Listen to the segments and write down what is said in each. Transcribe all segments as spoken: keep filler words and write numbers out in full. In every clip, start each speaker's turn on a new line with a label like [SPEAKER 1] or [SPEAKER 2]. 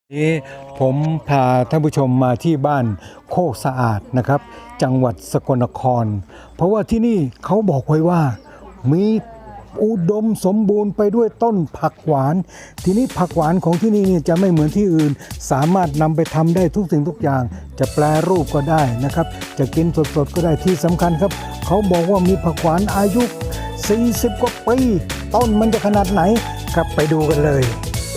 [SPEAKER 1] นี้ผมพาท่านผู้ชมมาที่บ้านโคกสะอาดนะครับจังหวัดสกลนครเพราะว่าที่นี่เขาบอกไว้ว่ามีอุดมสมบูรณ์ไปด้วยต้นผักหวานทีนี้ผักหวานของที่นี่จะไม่เหมือนที่อื่นสามารถนำไปทำได้ทุกสิ่งทุกอย่างจะแปรรูปก็ได้นะครับจะกินสดๆก็ได้ที่สำคัญครับเขาบอกว่ามีผักหวานอายุสี่สิบกว่าปีต้นมันจะขนาดไหนครับไปดูกันเลย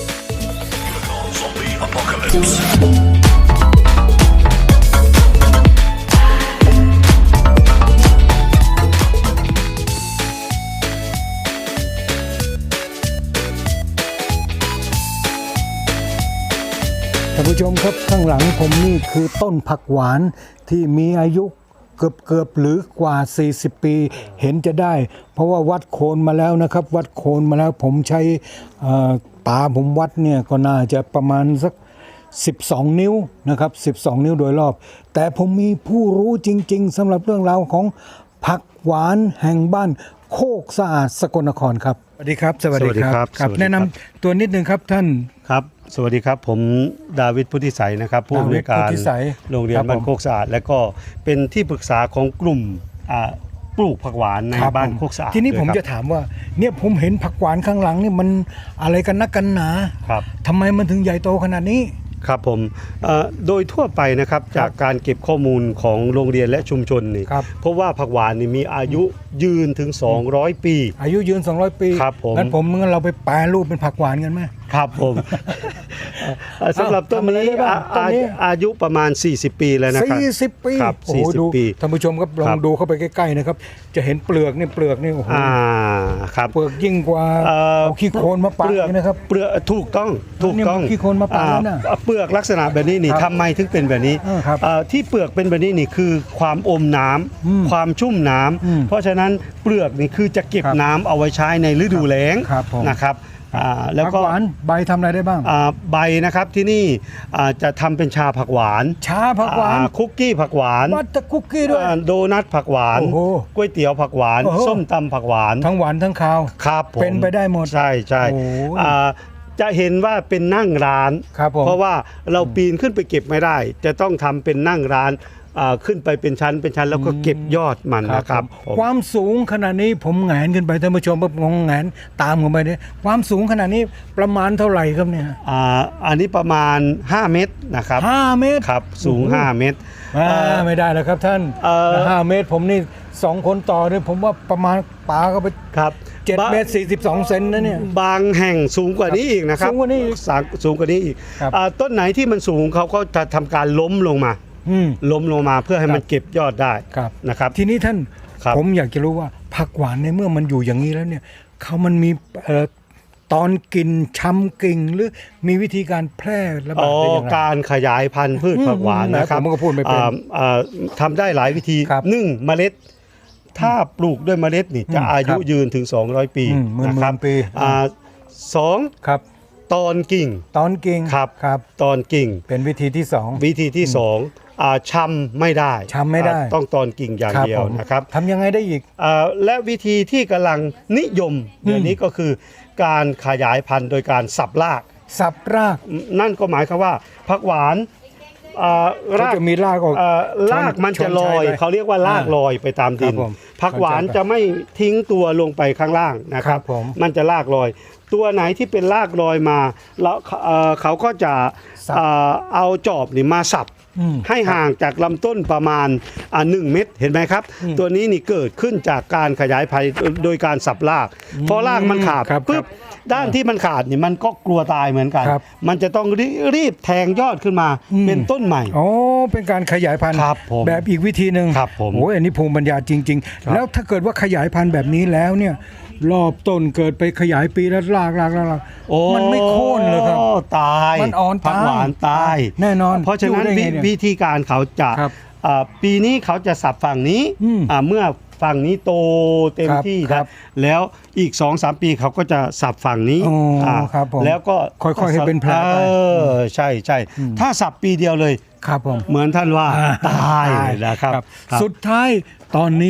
[SPEAKER 1] ท่านผู้ชมครับข้างหลังผมนี่คือต้นผักหวานที่มีอายุเกือบเกือบหรือกว่าสี่สิบปีเห็นจะได้ เพราะว่าวัดโคนมาแล้วนะครับวัดโคนมาแล้วผมใช้ตาผมวัดเนี่ยก็น่าจะประมาณสักสิบสองนิ้วนะครับสิบสองนิ้วโดยรอบแต่ผมมีผู้รู้จริงๆสำหรับเรื่องราวของผักหวานแห่งบ้านโคกสะอาดสกลนครครับสวัสดีครับสวัสดีครับครับแนะนำตัวนิดนึงครับท่าน
[SPEAKER 2] ครับสวัสดีครับผมดาวิดพุทธิสัยนะครับผู้อำนวยการโรงเรียนบ้านโคกสะอาดและก็เป็นที่ปรึกษาของกลุ่มปลูกผักหวานในบ้านโคกสะอาด
[SPEAKER 1] ทีนี้ผมจะถามว่าเนี่ยผมเห็นผักหวานข้างหลังนี่มันอะไรกันนักกันหนา
[SPEAKER 2] ครับ
[SPEAKER 1] ทำไมมันถึงใหญ่โตขนาดนี้
[SPEAKER 2] ครับผมโดยทั่วไปนะครับจากการเก็บข้อมูลของโรงเรียนและชุมชนนี่เพราะว่าผักหวานนี่มีอายุยืนถึงสองร้อยปี
[SPEAKER 1] อายุยืนสองร้อยปี
[SPEAKER 2] ครับผม
[SPEAKER 1] งั้นผมงั้นเราไปแปรรูปเป็นผักหวานกันไหม
[SPEAKER 2] ครับผมสำหรับต้นนี้อายุประมาณสี่สิบปีแล้วนะครับ
[SPEAKER 1] สี่สิบปี
[SPEAKER 2] ครับสี่สิบปี
[SPEAKER 1] ท่านผู้ชมครับลองดูเข้าไปใกล้ๆนะครับจะเห็นเปลือกนี่เปลือกนี่โอ้โห
[SPEAKER 2] ครับ
[SPEAKER 1] เปลือกยิ่งกว่าเอาขี้โคลนมาปะนะครับ
[SPEAKER 2] เปลือกถูกต้องถูกต้อง
[SPEAKER 1] ขี้โคลนมาปะแล้วนะ
[SPEAKER 2] เปลือกลักษณะแบบนี้นี่ทำไมถึงเป็นแบบนี้ที่เปลือกเป็นแบบนี้นี่คือความอมน้ำความชุ่มน้ำเพราะฉะนั้นเปลือกนี่คือจะเก็บน้ำเอาไว้ใช้ในฤดูแล้งนะครับ
[SPEAKER 1] แล้วก็ใบทำอะไรได้บ้าง
[SPEAKER 2] ใบนะครับที่นี่จะทำเป็นชาผักหวาน
[SPEAKER 1] ชาผักหวาน
[SPEAKER 2] คุกกี้ผักหวาน
[SPEAKER 1] วัตถุคุกกี้ด้วย
[SPEAKER 2] โดนัทผักหวานก๋วยเตี๋ยวผักหวานส้มตำผักหวาน
[SPEAKER 1] ทั้งหวานทั้งคาว
[SPEAKER 2] ครับ
[SPEAKER 1] เป็นไปได้หมด
[SPEAKER 2] ใช่ใช่จะเห็นว่าเป็นนั่งร้านเพราะว่าเราปีนขึ้นไปเก็บไม่ได้จะต้องทำเป็นนั่งร้านขึ้นไปเป็นชั้นเป็นชั้นแล้วก็เก็บยอดมันนะครับ
[SPEAKER 1] ความสูงขนาดนี้ผมแหงนขึ้นไปท่านผู้ชมผมงแหงนตามผมไปเนี่ยความสูงขนาดนี้ประมาณเท่าไหร่ครับเนี่ย
[SPEAKER 2] อ่าอันนี้ประมาณห้าเมตรนะครับ
[SPEAKER 1] ห้าเมตร
[SPEAKER 2] ครับสูงห้าเมตร
[SPEAKER 1] ไม่ได้แล้วครับท่านห้าเมตรผมนี่สองคนต่อเนี่ยผมว่าประมาณปาก็ไป
[SPEAKER 2] ครับ
[SPEAKER 1] เจ็ดเมตรสี่สิบสองเซนนะเนี่ย
[SPEAKER 2] บางแห่งสูงกว่านี้อีกนะครับ
[SPEAKER 1] สูงกว่านี้
[SPEAKER 2] สูงกว่านี้อีกต้นไหนที่มันสูงเขาก็จะทำการล้มลงมาล้มลงมาเพื่อให้มันเก็บยอดได้นะครับ
[SPEAKER 1] ทีนี้ท่านผมอยากจะรู้ว่าผักหวานในเมื่อมันอยู่อย่างนี้แล้วเนี่ยเขามันมีตอนกินช้ำกิ่งหรือมีวิธีการแพร่ระบาดได้อย่างไร
[SPEAKER 2] การขยายพันธุ์พืชผักหวานนะครับ
[SPEAKER 1] ผมก็พูดไม่เป็น
[SPEAKER 2] ทำได้หลายวิธีหนึ่งเมล็ดถ้าปลูกด้วยเมล็ดนี่จะอายุยืนถึงสองร้อยปี
[SPEAKER 1] นะครับ
[SPEAKER 2] สองครับตอนกิ่ง
[SPEAKER 1] ตอนกิ่ง
[SPEAKER 2] ครับครับตอนกิ่ง
[SPEAKER 1] เป็นวิธีที่สอง
[SPEAKER 2] วิธีที่สองช้ำไม่ได้
[SPEAKER 1] ช้ำไม่ได้
[SPEAKER 2] ต้องตอนกิ่งอย่างเดียวนะครับ
[SPEAKER 1] ทำยังไงได้อีก
[SPEAKER 2] และวิธีที่กำลังนิยมเดี๋ยวนี้ก็คือการขยายพันธุ์โดยการสับราก
[SPEAKER 1] สับราก
[SPEAKER 2] นั่นก็หมายความว่าผักหวาน
[SPEAKER 1] รากจะมีรากออก
[SPEAKER 2] รากมันจะลอยเขาเรียกว่ารากลอยไปตามดินผักหวานจะไม่ทิ้งตัวลงไปข้างล่างนะครับมันจะรากลอยตัวไหนที่เป็นรากลอยมาแล้วเขาก็จะเอาจอบนี่มาสับให้ห่างจากลำต้นประมาณหนึ่งเมตรเห็นไหมครับตัวนี้นี่เกิดขึ้นจากการขยายพันธุ์โดยการสับรากพอรากมันขาดปุ๊บด้านที่มันขาดนี่มันก็กลัวตายเหมือนกันมันจะต้องรีบแทงยอดขึ้นมาเป็นต้นใหม่
[SPEAKER 1] อ๋อเป็นการขยายพันธุ์แบบอีกวิธีหนึ่งโอ้ยอันนี้ภูมิปัญญาจริงๆแล้วถ้าเกิดว่าขยายพันธุ์แบบนี้แล้วเนี่ยรอบต้นเกิดไปขยายปีแล้วรากรากรากมันไม่โค่นเลยครับ
[SPEAKER 2] ตาย
[SPEAKER 1] มันอ่อน
[SPEAKER 2] ผักหวานตาย
[SPEAKER 1] แน่นอน
[SPEAKER 2] เพราะฉะนั้นวิธีการเขาจะปีนี้เขาจะสับฝั่งนี้เมื่อฝั่งนี้โตเต็มที่ครับแล้วอีก สองสาม ปีเขาก็จะสับฝั่งนี้แล้วก็
[SPEAKER 1] ค่อยๆให้เป็นแผลไป
[SPEAKER 2] ใช่ใช่ถ้าสับปีเดียวเลย
[SPEAKER 1] ครับผม
[SPEAKER 2] เหมือนท่านว่าตายนะครับ
[SPEAKER 1] สุดท้ายตอนนี้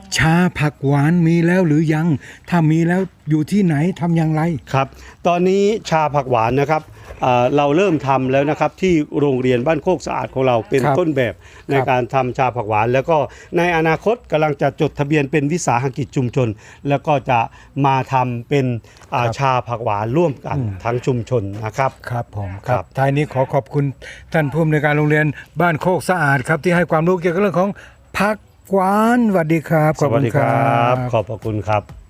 [SPEAKER 1] ชาผักหวานมีแล้วหรือยัง ถ้ามีแล้วอยู่ที่ไหนทำอย่างไร
[SPEAKER 2] ครับตอนนี้ชาผักหวานนะครับเอ่อเราเริ่มทำแล้วนะครับที่โรงเรียนบ้านโคกสะอาดของเราเป็น
[SPEAKER 1] ครับ
[SPEAKER 2] ต้นแบบใน
[SPEAKER 1] ครับ
[SPEAKER 2] การทำชาผักหวาน แล้วก็ในอนาคตกำลังจะจดทะเบียนเป็นวิสาหกิจชุมชน แล้วก็จะมาทำเป็นอ่า
[SPEAKER 1] ครับ
[SPEAKER 2] ชาผักหวานร่วมกันทั้งชุมชนนะครับ
[SPEAKER 1] ครับผมค
[SPEAKER 2] ครั
[SPEAKER 1] รับบ ท้ายนี้ขอขอบคุณท่านผู้อำนวยการโรงเรียนบ้านโคกสะอาดครับที่ให้ความรู้เกี่ยวกับเรื่องของผักหวานสวัสดีครับข
[SPEAKER 2] ส
[SPEAKER 1] อบ
[SPEAKER 2] วัส
[SPEAKER 1] คุณ
[SPEAKER 2] ดี
[SPEAKER 1] ค
[SPEAKER 2] ค
[SPEAKER 1] รั
[SPEAKER 2] รับ
[SPEAKER 1] บ
[SPEAKER 2] ขอบพระคุณครับ